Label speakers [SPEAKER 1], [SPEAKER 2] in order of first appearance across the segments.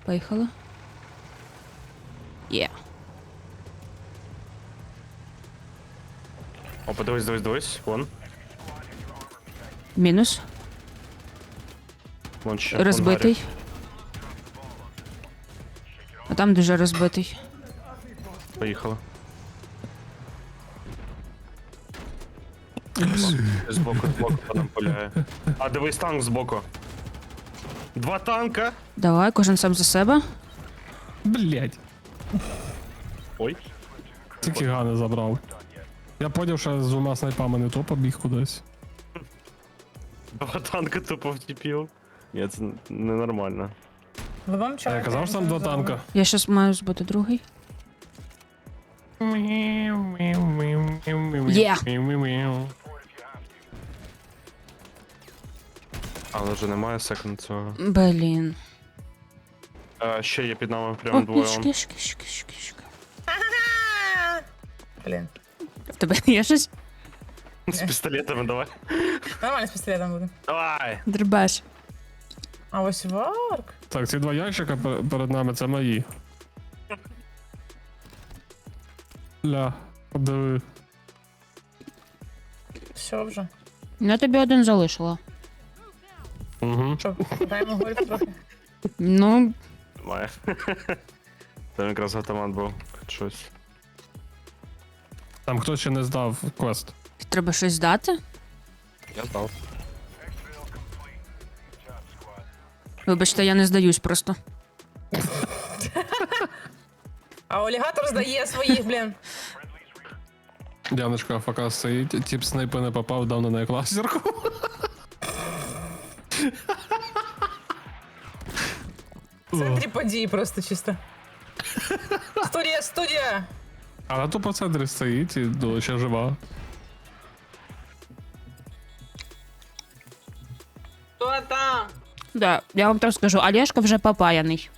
[SPEAKER 1] Поїхали. Є.
[SPEAKER 2] Опа, дивись. Вон.
[SPEAKER 1] Мінус.
[SPEAKER 2] Вон ще.
[SPEAKER 1] Розбитий. А там дуже розбитий.
[SPEAKER 2] Поїхали. Збоку по нам пуляє. А, дивись, танк збоку. 2 танка.
[SPEAKER 1] Давай, кожен сам за себе.
[SPEAKER 3] Блять.
[SPEAKER 2] Ой.
[SPEAKER 3] Тільки гани забрав. Я поняв, що з 2 снайпами не то побіг кудись.
[SPEAKER 2] 2 танка тупо втіпів. Ні, це ненормально.
[SPEAKER 4] Ви вам
[SPEAKER 3] А
[SPEAKER 4] чого?
[SPEAKER 3] я казав, що там 2 танка.
[SPEAKER 1] Я щас маю збити другий. Є.
[SPEAKER 2] Але вже немає секунд цього.
[SPEAKER 1] Блін.
[SPEAKER 2] Ще є під нами прямо
[SPEAKER 1] О,
[SPEAKER 2] двоє.
[SPEAKER 1] кішки.
[SPEAKER 4] Блін.
[SPEAKER 1] В тебе є щось?
[SPEAKER 2] З пістолетами давай.
[SPEAKER 4] Нормально з пістолетом буде.
[SPEAKER 2] Давай!
[SPEAKER 1] Дребеш.
[SPEAKER 4] А ось варк.
[SPEAKER 3] Так, ці 2 ящика перед нами це мої. Ля, подиви.
[SPEAKER 4] Все вже.
[SPEAKER 1] Я тобі один залишила.
[SPEAKER 3] Угу.
[SPEAKER 4] Що, даємо горіти трохи?
[SPEAKER 1] Ну,
[SPEAKER 2] Немає. Там якраз автомат був. Щось.
[SPEAKER 3] Там хтось ще не здав квест.
[SPEAKER 1] треба щось здати?
[SPEAKER 2] Я здав.
[SPEAKER 1] Вибачте, я не здаюсь просто.
[SPEAKER 4] А олігатор здає своїх, блін.
[SPEAKER 3] Дяночка АФК стоїть, тип снайпи не попав, дав на неї кластерку.
[SPEAKER 4] В центрі події просто чисто. Студія!
[SPEAKER 3] А на то по центрі стоїть і ну, ще жива.
[SPEAKER 4] Хто там?
[SPEAKER 1] Да, я вам так скажу, Олешка вже попаяний.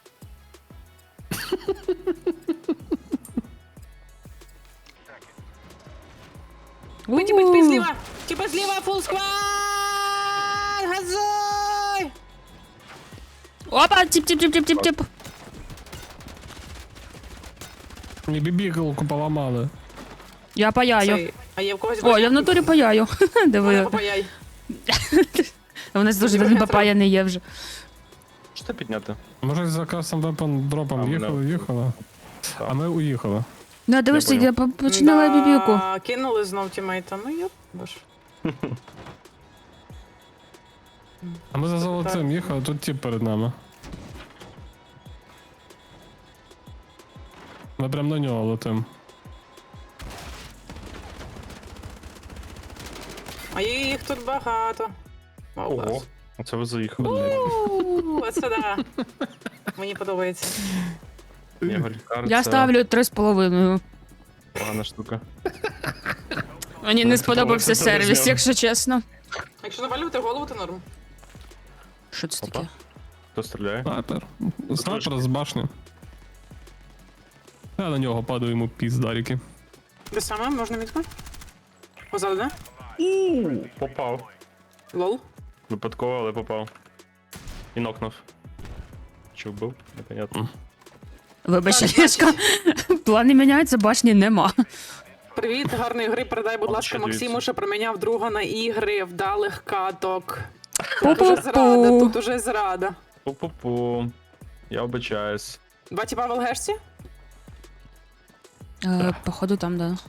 [SPEAKER 4] Типа зліва! Типа зліва, фул сквад! Газуй!
[SPEAKER 1] Опа, тип.
[SPEAKER 3] Мені бібігалку поламали.
[SPEAKER 1] Я паяю.
[SPEAKER 4] А є в когось
[SPEAKER 1] О, я в натурі паяю. Диви.
[SPEAKER 4] Попаяй.
[SPEAKER 1] У нас дуже один попаяний є вже.
[SPEAKER 2] Що це підняти?
[SPEAKER 3] Може за кастом вепон дропом їхали. А ми уїхали.
[SPEAKER 1] Ну, дивишся,
[SPEAKER 2] Я
[SPEAKER 1] я починала бібіку.
[SPEAKER 4] Кинули знов тімейта, ну йоп, боже.
[SPEAKER 3] А ми за золотим їхали, тут тип перед нами. Ми прям на нього летим.
[SPEAKER 4] А їх тут багато.
[SPEAKER 2] Ого. Оце ви заїхали.
[SPEAKER 4] Оце да. Мені подобається.
[SPEAKER 1] Я ставлю 3,5.
[SPEAKER 2] Погана штука.
[SPEAKER 1] Мені не сподобався
[SPEAKER 2] це
[SPEAKER 1] сервіс,
[SPEAKER 2] добре.
[SPEAKER 1] якщо чесно.
[SPEAKER 4] Якщо навалювати голову, то норм.
[SPEAKER 1] Що це
[SPEAKER 2] Опа.
[SPEAKER 1] таке?
[SPEAKER 2] Хто стріляє?
[SPEAKER 3] Снайпер з башні. Я на нього падаю йому піздаріки.
[SPEAKER 4] Де саме? Можна мітку? Позаду, да?
[SPEAKER 2] Попав.
[SPEAKER 4] Лол.
[SPEAKER 2] Випадково, але попав. І нокнув. Чи вбив? Непонятно.
[SPEAKER 1] Вибач,
[SPEAKER 4] Так,
[SPEAKER 1] Олешка. Плани міняються, башні нема.
[SPEAKER 4] Привіт, гарної гри. Передай, будь
[SPEAKER 2] От
[SPEAKER 4] ласка,
[SPEAKER 2] ще
[SPEAKER 4] Максиму,
[SPEAKER 2] дивіться.
[SPEAKER 4] що проміняв друга на ігри вдалих каток. Тут уже зрада,
[SPEAKER 1] Пу-пу-пу.
[SPEAKER 4] тут уже зрада.
[SPEAKER 2] Пу-пу-пу. Я обичаюсь.
[SPEAKER 4] 2 тіпа в ЛГшці?
[SPEAKER 1] Походу там, да.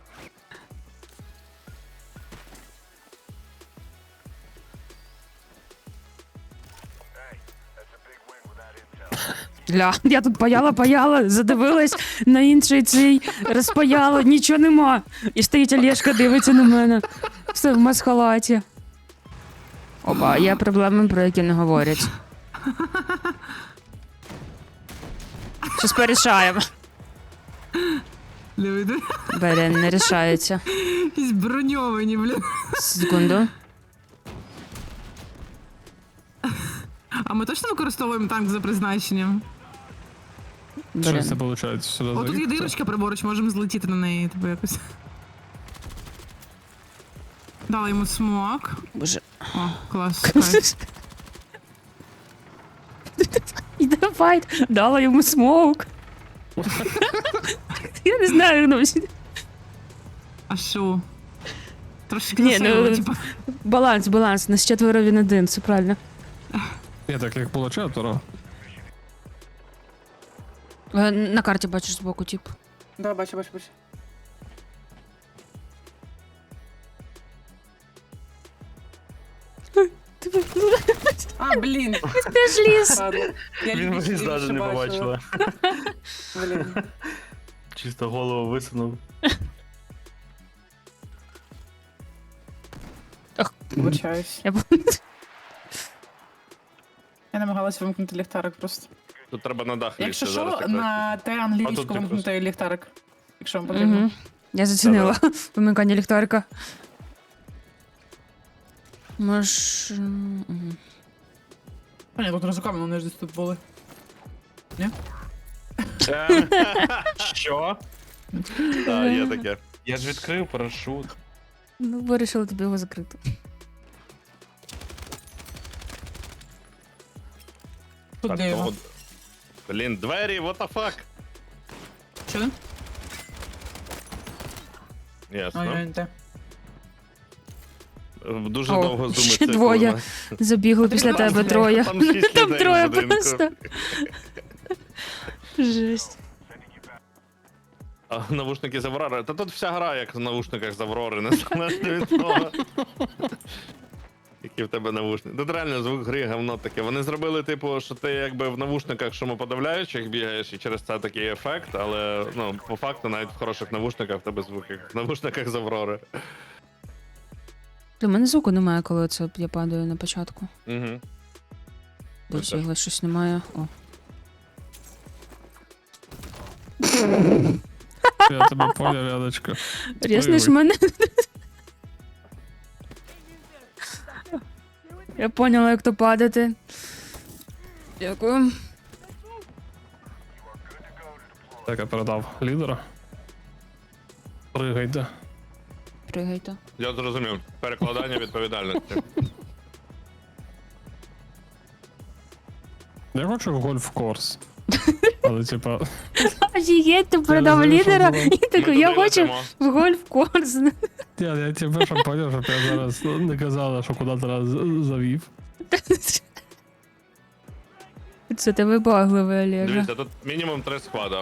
[SPEAKER 1] Ля, я тут паяла, задивилась на інший цей, розпаяла, нічого нема. І стоїть Олешка, дивиться на мене. Все в масхалаті. Опа, є проблеми, про які не говорять. Щось порішаємо. Блін, не рішається.
[SPEAKER 4] Якісь броньовані, блін.
[SPEAKER 1] Секунду.
[SPEAKER 4] А ми точно використовуємо танк за призначенням?
[SPEAKER 3] Що
[SPEAKER 1] Блін.
[SPEAKER 3] це виходить? Сюди
[SPEAKER 4] О, тут є
[SPEAKER 3] заїхати?
[SPEAKER 4] дирочка праворуч, можемо злетіти на неї, типу якось. Дали йому смок.
[SPEAKER 1] Боже.
[SPEAKER 4] О, клас. кайф.
[SPEAKER 1] Іде файт, дала йому смоук. Я не знаю, ну,
[SPEAKER 4] А що? Трошки
[SPEAKER 1] Ні, ну,
[SPEAKER 4] красиво, типа.
[SPEAKER 1] баланс, нас 4 він 1, все правильно.
[SPEAKER 3] Ні, так як було 4.
[SPEAKER 1] На карті бачиш збоку, тип.
[SPEAKER 4] Да, бачу. А, блін.
[SPEAKER 1] Ти ж ліс.
[SPEAKER 4] Ладно. Я
[SPEAKER 2] Він
[SPEAKER 4] лівіше
[SPEAKER 2] вниз навіть не
[SPEAKER 4] бачила.
[SPEAKER 2] побачила.
[SPEAKER 4] Блін.
[SPEAKER 2] Чисто голову висунув.
[SPEAKER 4] Вибачаюсь.
[SPEAKER 1] Я
[SPEAKER 4] Я намагалась вимкнути ліхтарик просто.
[SPEAKER 2] Тут треба на дах
[SPEAKER 4] Якщо
[SPEAKER 2] лізти, зараз
[SPEAKER 4] що,
[SPEAKER 2] якраз.
[SPEAKER 4] на те
[SPEAKER 2] А
[SPEAKER 4] англійську
[SPEAKER 2] тут якраз.
[SPEAKER 4] вимкнути ліхтарик. Якщо вам потрібно.
[SPEAKER 1] Угу. Я зацінила вимикання ліхтарика. Може... мгм.
[SPEAKER 4] А ні, тут ризиками, вони ж десь тут були.
[SPEAKER 2] Що? Так, є таке. Я ж відкрив парашут.
[SPEAKER 1] Ну, вирішила тобі його закрити.
[SPEAKER 4] Тут
[SPEAKER 2] Так,
[SPEAKER 4] де його?
[SPEAKER 2] то- Блін, двері, what the fuck?
[SPEAKER 4] Що?
[SPEAKER 2] Ясно.
[SPEAKER 4] Ой, те.
[SPEAKER 2] Дуже
[SPEAKER 1] О,
[SPEAKER 2] довго зуми
[SPEAKER 1] ще двоє. Забігли після
[SPEAKER 4] Потрібно
[SPEAKER 1] тебе
[SPEAKER 4] розгляд.
[SPEAKER 1] троє.
[SPEAKER 2] Там 6
[SPEAKER 1] Там
[SPEAKER 2] людей
[SPEAKER 1] троє
[SPEAKER 2] в будинку.
[SPEAKER 1] просто. Жесть.
[SPEAKER 2] А навушники з Аврори. Та тут вся гра як в навушниках з Аврори, незалежно від того. Які в тебе навушники. Тут реально звук гри говно таке. Вони зробили, типу, що ти якби в навушниках шумоподавляючих бігаєш, і через це такий ефект, але ну, по факту навіть в хороших навушниках в тебе звук як в навушниках з Аврори.
[SPEAKER 1] Для мене звуку немає, коли це я падаю на початку.
[SPEAKER 2] Угу.
[SPEAKER 1] Досі його щось немає. О.
[SPEAKER 3] Я тебе поняв, Яночка.
[SPEAKER 1] Різнеш мене. Я поняла, як то падати. Дякую.
[SPEAKER 3] Так, я передав лідера. Пригайте.
[SPEAKER 1] Пригайте.
[SPEAKER 2] Я зрозумів. Перекладання відповідальності.
[SPEAKER 3] Я хочу в гольф-корс. Але типа.
[SPEAKER 1] Офігеть, ти передав
[SPEAKER 3] знаю, що
[SPEAKER 1] лідера
[SPEAKER 3] було.
[SPEAKER 1] і такий,
[SPEAKER 2] Ми
[SPEAKER 1] я
[SPEAKER 2] туди
[SPEAKER 1] хочу
[SPEAKER 2] летимо.
[SPEAKER 1] в гольф-корс.
[SPEAKER 3] Я тебе щоб поняв, щоб я зараз не казала, що куди ти завів.
[SPEAKER 1] Це ти вибагливий, Олега.
[SPEAKER 2] Дивіться, тут мінімум 3 склада.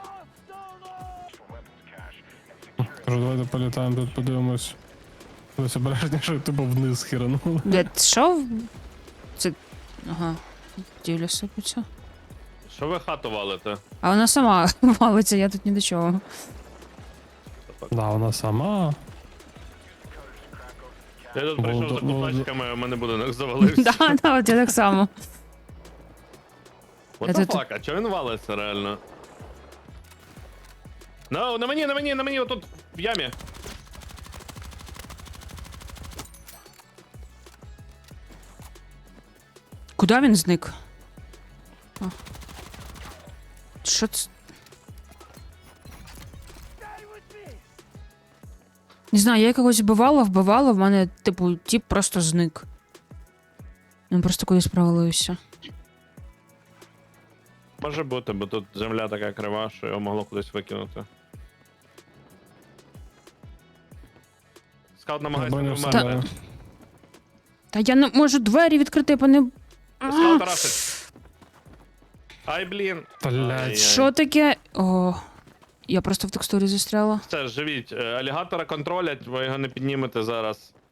[SPEAKER 3] Кажу, давайте політаємо тут, подивимось. Ось обережніше, типу вниз хіранули.
[SPEAKER 1] Що? Це... Ага. Ділля сипеться.
[SPEAKER 2] Що ви хату валите?
[SPEAKER 1] А вона сама валиться, я тут ні до чого.
[SPEAKER 3] Да, вона сама.
[SPEAKER 2] Я тут прийшов за
[SPEAKER 3] Володя-
[SPEAKER 2] кутачками, а в мене будинок завалився.
[SPEAKER 1] Да, от я так само.
[SPEAKER 2] What
[SPEAKER 1] Я
[SPEAKER 2] the
[SPEAKER 1] тут-
[SPEAKER 2] fuck, а чого він валиться реально? No, на мені, отут, в ямі.
[SPEAKER 1] Куди він зник? А. Що це? Не знаю, я якогось вбивала, в мене, типу, тіп просто зник. Він просто кудись провалився.
[SPEAKER 2] Може бути, бо тут земля така крива, що його могло кудись викинути. Скаут намагається не
[SPEAKER 3] Бонус
[SPEAKER 2] вмерти.
[SPEAKER 3] сідає.
[SPEAKER 1] Та я не можу двері відкрити, пане.
[SPEAKER 2] Скаут рашить. Ай, блін.
[SPEAKER 3] Блядь.
[SPEAKER 2] Ай-яй.
[SPEAKER 1] Що таке? О, я просто в текстурі застряла.
[SPEAKER 2] Все, живіть. Алігатора контролять, ви його не піднімете зараз.